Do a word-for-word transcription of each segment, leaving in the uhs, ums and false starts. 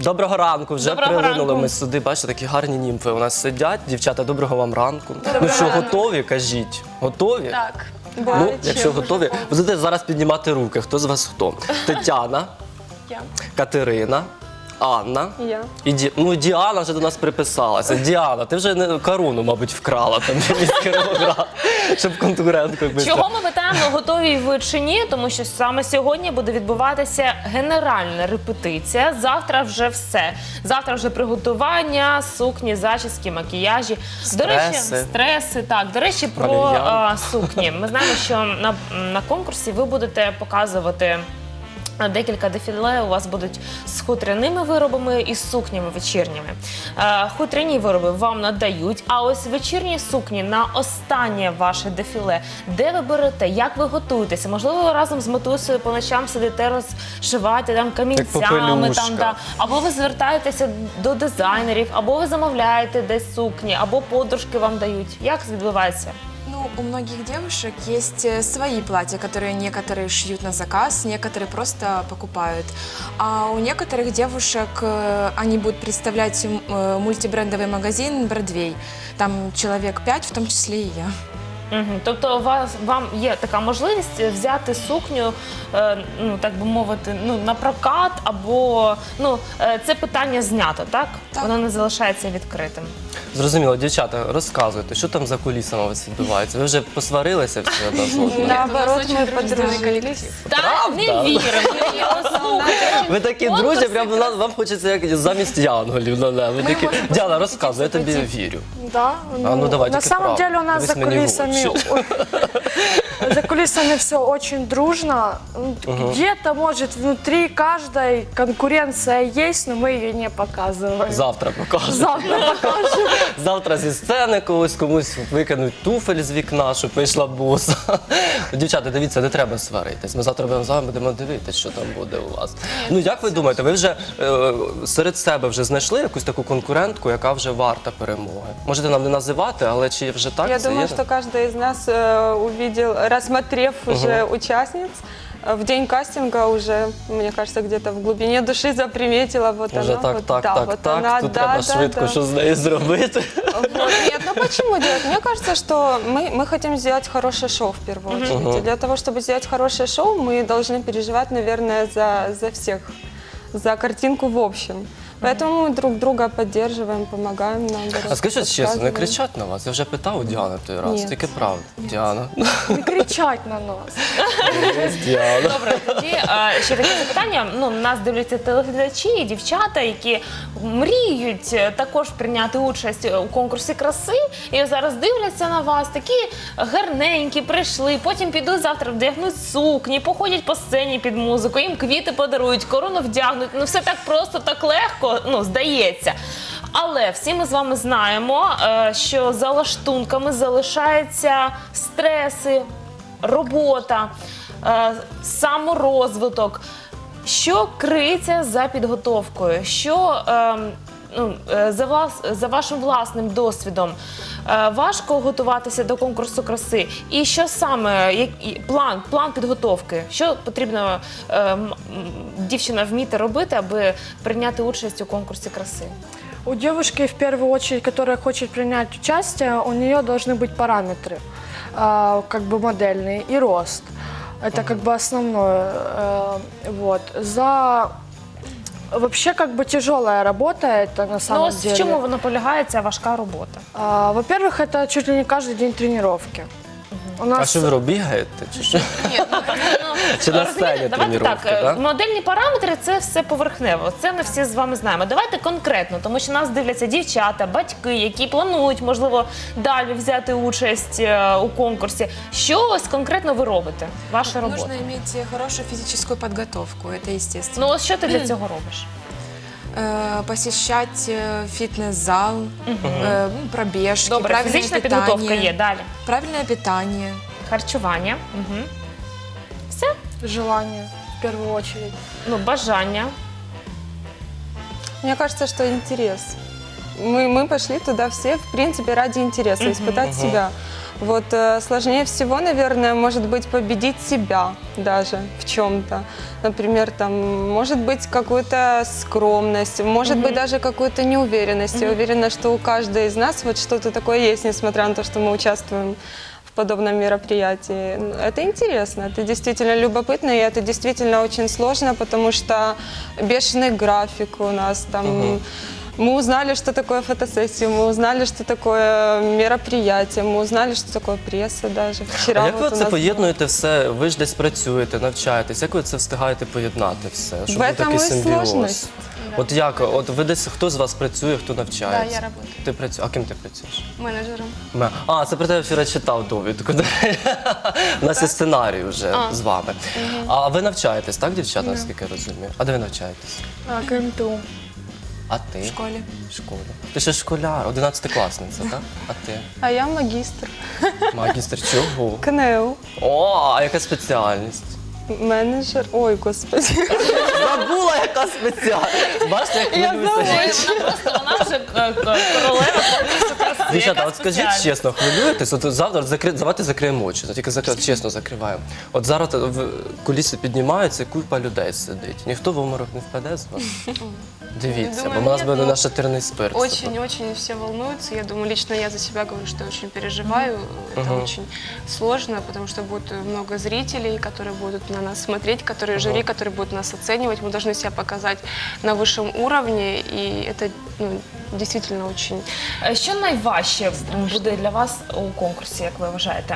Доброго ранку, вже Доброго прилинули ранку. ми сюди, бачите, такі гарні німфи у нас сидять. Дівчата, доброго вам ранку. Ну що, готові, кажіть? Готові? Так. Ну, якщо готові, будете зараз піднімати руки. Хто з вас хто? Тетяна, Я. Катерина, Анна. Я. І Ді... Ну, Діана вже до нас приписалася. Діана, ти вже не корону, мабуть, вкрала там міс Кіровоград, щоб конкуренткою бити. Чого ми питаємо, готові ви чи ні? Тому що саме сьогодні буде відбуватися генеральна репетиція. Завтра вже все. Завтра вже приготування, сукні, зачіски, макіяжі. До речі, Стреси. стреси. Так, до речі, про Валер'ян. а, сукні. Ми знаємо, що на, на конкурсі ви будете показувати декілька дефіле. У вас будуть з хутряними виробами і з сукнями вечірніми. Е, Хутряні вироби вам надають, а ось вечірні сукні на останнє ваше дефіле. Де ви берете, як ви готуєтеся? Можливо, ви разом з матусею по ночам сидите, розшиваєте там камінцями, попелюшка. там, да. Або ви звертаєтеся до дизайнерів, або ви замовляєте десь сукні, або подружки вам дають. Як це відбувається? Ну, у многих девушек есть э, свои платья, которые некоторые шьют на заказ, некоторые просто покупают. А у некоторых девушек э, они будут представлять м, э, мультибрендовый магазин «Бродвей». Там человек пять, в том числе и я. Угу. Тобто у вас, вам є така можливість взяти сукню, е, ну, так би мовити, ну, на прокат, або ну, е, це питання знято, так? Так. Воно не залишається відкритим. Зрозуміло, дівчата, розказуйте, що там за кулісами у вас відбувається? Ви вже посварилися всі одна з одною? Наоборот, мы подружились. Так, не віримо. Слухайте. Ви такі Конкурси друзі, прямо на- вам хочеться як замість янголів на небо. Такі, Діана, розказуй, я тобі вірю. Да. А ну давай, на тільки самом правду. деле у нас Дивись за мені в кулисами, очі. ой, за кулисами все очень дружно. Где-то, может, внутри каждой конкуренция есть, но мы ее не показываем. Завтра покажу. Завтра покажем. Завтра зі сцени когось комусь викинуть туфель з вікна, щоб вийшла боса. Дівчата, дивіться, не треба сваритись. Ми завтра будемо з вами будемо дивитися, що там буде у вас. Ну як ви думаєте, ви вже е, серед себе вже знайшли якусь таку конкурентку, яка вже варта перемоги? Можете нам не називати, але чи вже так Я це думаю, є? что каждый из нас э, увидел, рассмотрев уже участниц, э, в день кастинга уже, мне кажется, где-то в глубине души заприметила вот Вже она. так, вот, так, да, так, вот так, она, тут да, треба да, швидко да. що з нею зробити. Вот. Нет, ну почему делать? Мне кажется, что мы, мы хотим сделать хорошее шоу в первую очередь. И для того, чтобы сделать хорошее шоу, мы должны переживать, наверное, за, за всех, за картинку в общем. Поэтому мы друг друга поддерживаем, помогаем нам. А скажіть чесно, не кричать на вас? Я вже питав у Діани той раз, Ні. тільки правда. Діана. Не кричать на нас. Діана. Добре, тоді е, ще таке запитання. Ну, нас дивляться телеглядачі і дівчата, які мріють е, також прийняти участь у конкурсі краси. І зараз дивляться на вас, такі гарненькі, прийшли, потім підуть завтра, вдягнуть сукні, походять по сцені під музику, їм квіти подарують, корону вдягнуть. Ну, все так просто, так легко, ну, здається. Але всі ми з вами знаємо, е, що за лаштунками залишаються стреси, робота, е, саморозвиток. Що криється за підготовкою? Що е, ну, е, за, влас, за вашим власним досвідом? Е, важко готуватися до конкурсу краси? І що саме, як, і план, план підготовки? Що потрібно е, м- м- дівчина вміти робити, аби прийняти участь у конкурсі краси? У девушки, в первую очередь, которая хочет принять участие, у нее должны быть параметры, э, как бы модельные, и рост. Это как бы основное. Э, вот. За... Вообще, как бы тяжелая работа это на Ну, самом ось в деле. чому вона полягає, ця важка робота? А, Во-первых, это чуть ли не каждый день тренировки. У А нас що ви робите, бігаєте? Чи що? Чи на сцені Розумієте, давайте так, тренування, е, так? модельні параметри – це все поверхнево, це ми всі з вами знаємо. Давайте конкретно, тому що нас дивляться дівчата, батьки, які планують, можливо, далі взяти участь е, у конкурсі. Що ось конкретно ви робите, ваша робота? Нужно иметь хорошую физическую подготовку, это естественно. Ну ось що ти для цього робиш? Э, посещать э, фитнес-зал, э, ну, пробежки, Добре, правильное фізична питание. підготовка є, далі. Правильное питание. Харчування, угу. Все, желание, в первую очередь. ну, бажання. Мне кажется, что интерес. Мы, мы пошли туда все, в принципе, ради интереса, испытать себя. Вот э, сложнее всего, наверное, может быть победить себя даже в чем-то. Например, там может быть какую-то скромность, может быть даже какую-то неуверенность. Я уверена, что у каждой из нас вот что-то такое есть, несмотря на то, что мы участвуем в подобном мероприятии. Это интересно, это действительно любопытно, и это действительно очень сложно, потому что бешеный график у нас там. Мы узнали, что такое фотосессия, мы узнали, что такое мероприятие, мы узнали, что такое пресса даже. Вчера А як ви вот у це нас поєднуєте все? Ви ж десь працюєте, навчаєтесь. Як ви це встигаєте поєднати все? Щоб В був этом такий і симбіоз? сложність. От як? От ви десь хто з вас працює, хто навчається? Да, я работаю. Ти працюєш. А ким ти працюєш? Менеджером. Ме- А, це про тебе вчора читав довідку. У нас є сценарій вже з вами. А ви навчаєтесь, так, дівчата, наскільки я розумію? А де ви навчаєтесь? А, КМТУ. А ти? В школе. В школі. Ти ще школяр, одинадцятикласниця, так? А ти? А я магистр Магістр чого? КНЕУ, О, а яка спеціальність? менеджер. Ой, господи. Забула, яка спеціальність. Бачите, як хвилююся. Вона просто, вона вже е, е, королева конкурсу краси. Дівчата, Яка от скажіть спеціальність? чесно, хвилюєтесь? От завтра закри... давайте закриємо очі, тільки закри... чесно закриваємо. От зараз в куліси піднімаються, і купа людей сидить. Ніхто в обморок не впаде з вас? Дивіться, Думаю, бо у нас ні, буде ну, наш шатирний спирт. Очень-очень все волнуются. Я думаю, лично я за себя говорю, что я очень переживаю. Это очень сложно, потому что будет много зрителей, которые будут на нас смотреть, которые жюри, которые будут нас оценивать. Мы должны себя показать на высшем уровне, и это ну, действительно очень... Е, Що найважче буде для вас у конкурсі, як ви вважаєте?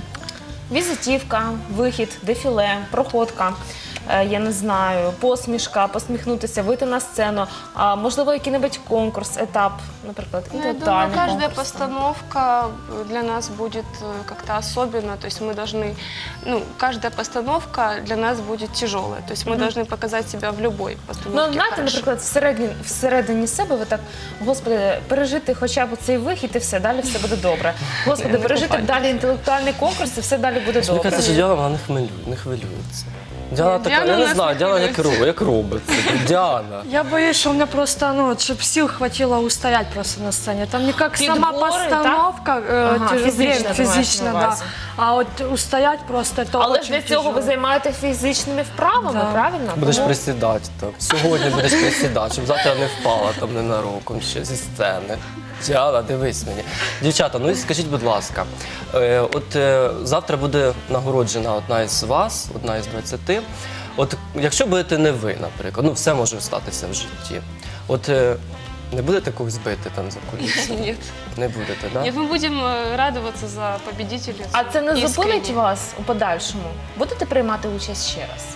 Візитівка, вихід, дефіле, проходка, е, я не знаю, посмішка, посміхнутися, вийти на сцену, а, можливо, який-небудь конкурс, етап, наприклад, Ну, я думаю, інтелектуальний каждая конкурс. постановка для нас будет э, как-то особенно. То есть мы должны, ну, каждая постановка для нас будет тяжелая. То есть мы должны показать себя в любой Ну, постановке. знаєте, хорошо. наприклад, всередині, всередині себе ви так, господи, пережити хоча б цей вихід і все, далі все буде добре. Господи, пережити далі інтелектуальний конкурс і все далі буде Мені добре. кажеться, що Діана вона не, хвилю... не хвилюється. Діана така, Діана я не нас знаю, не Діана як, хвилюється. роб- як робить це. Діана. Я боюсь, что у меня просто, ну, чтобы сил хватило устоять просто на сцене. Там не как сама Подборы, постановка, э, Ага, тяжелее, физично, ты маешь физично, на да. увазі. А вот устоять просто это Але ж очень для цього ви тяжело. займаєте фізичними вправами, Да. правильно? Будеш Тому- присідати там. Сьогодні будеш присідати, щоб завтра не впала там ненароком ще зі сцени. Діана, дивись мені. Дівчата, ну і скажіть, будь ласка, е, от е, завтра буде нагороджена одна із вас, одна із двадцяти. От якщо будете не ви, наприклад, ну все може статися в житті. От е, не будете когось бити там за кулісами? Нет. Не будете, так? Нет, мы будем э, радоваться за победителя. А це не Искренне. зупинить вас у подальшому? Будете приймати участь ще раз?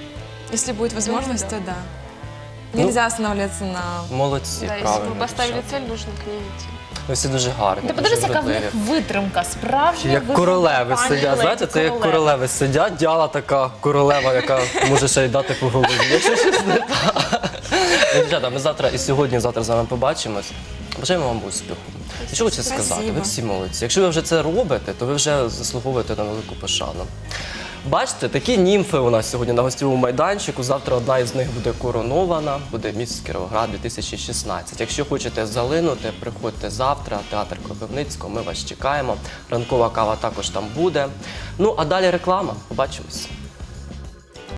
Если будет возможность, Думаю, то да. да. Нельзя останавливаться на... Молодці, Да, если правильно. мы поставили дівчата. цель, нужно к ней идти. Ви всі дуже гарні. Ти дуже подивися, яка в вродливі. них витримка, справжня Як витримка, королеви пані сидять, леді, знаєте, це як королеви сидять, Діана така королева, яка може ще й дати по голові. Якщо щось не так. Ну, дівчата, ми завтра і сьогодні, і завтра з вами побачимось. Бажаємо вам успіху. І що хочу сказати, ви Спасибо. всі молодці. Якщо ви вже це робите, то ви вже заслуговуєте на велику пошану. Бачите, такі німфи у нас сьогодні на гостєвому майданчику. Завтра одна із них буде коронована, буде міс Кіровоград дві тисячі шістнадцять. Якщо хочете залинути, приходьте завтра, театр Кропивницького, ми вас чекаємо. Ранкова кава також там буде. Ну, а далі реклама. Побачимось.